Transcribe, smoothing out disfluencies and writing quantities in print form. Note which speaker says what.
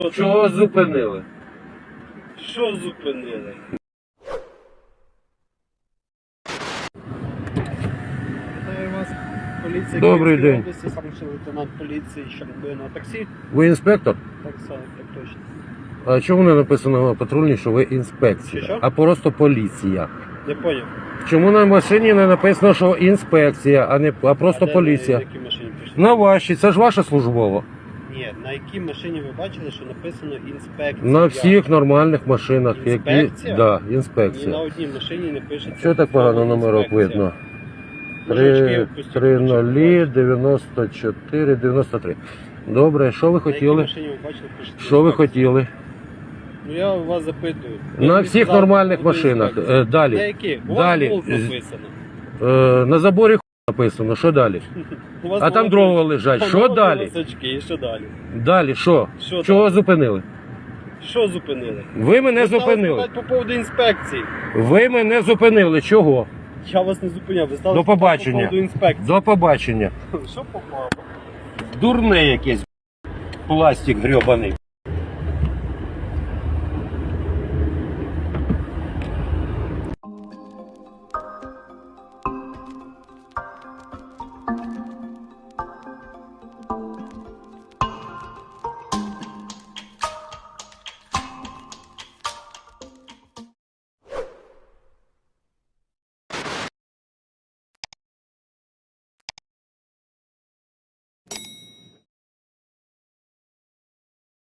Speaker 1: Чого зупинили?
Speaker 2: Що зупинили? Вітаю вас, поліція
Speaker 1: Добрий
Speaker 2: Київської
Speaker 1: день.
Speaker 2: області, старший лейтенант поліції Щербина. Таксі?
Speaker 1: Ви інспектор?
Speaker 2: Так само, так точно.
Speaker 1: А чому не написано на патрульній, що ви інспекція,
Speaker 2: Що?
Speaker 1: а просто поліція?
Speaker 2: Не поняв.
Speaker 1: Чому на машині не написано, що інспекція, а просто поліція?
Speaker 2: На якій машині пишете?
Speaker 1: На вашій, це ж ваша службова.
Speaker 2: Ні, на якій машині ви бачили, що написано інспекція?
Speaker 1: На всіх нормальних машинах,
Speaker 2: Інспекція?
Speaker 1: Да,
Speaker 2: Ні на
Speaker 1: інспекція.
Speaker 2: одній машині не пишеться.
Speaker 1: Що так погано
Speaker 2: слово
Speaker 1: номерок
Speaker 2: інспекція.
Speaker 1: видно?
Speaker 2: Мужички, опустіть
Speaker 1: 3-0, 94, 93. Добре, що ви
Speaker 2: На якій
Speaker 1: хотіли?
Speaker 2: машині ви бачили, пишеться
Speaker 1: Що ви
Speaker 2: інспекція?
Speaker 1: хотіли?
Speaker 2: Ну я у вас запитую.
Speaker 1: На
Speaker 2: Ви
Speaker 1: всіх
Speaker 2: сказали,
Speaker 1: нормальних
Speaker 2: буде
Speaker 1: машинах.
Speaker 2: інспекція. На
Speaker 1: Далі.
Speaker 2: яких? У
Speaker 1: Далі.
Speaker 2: вас Волк написано.
Speaker 1: На заборі написано, що далі?
Speaker 2: У вас
Speaker 1: А там
Speaker 2: Волк-
Speaker 1: дрова лежать. Що
Speaker 2: Волк
Speaker 1: далі?
Speaker 2: волосочки, і що далі?
Speaker 1: Далі, що?
Speaker 2: Що
Speaker 1: Чого
Speaker 2: далі?
Speaker 1: зупинили?
Speaker 2: Що зупинили?
Speaker 1: Ви мене
Speaker 2: Ви стали
Speaker 1: зупинили.
Speaker 2: питати по поводу інспекції.
Speaker 1: Ви мене зупинили. Чого?
Speaker 2: Я вас не зупиняв, ви стали
Speaker 1: До
Speaker 2: питати
Speaker 1: побачення.
Speaker 2: по поводу інспекції.
Speaker 1: До побачення.
Speaker 2: Що попало?
Speaker 1: Дурне якесь. Пластик грьобаний.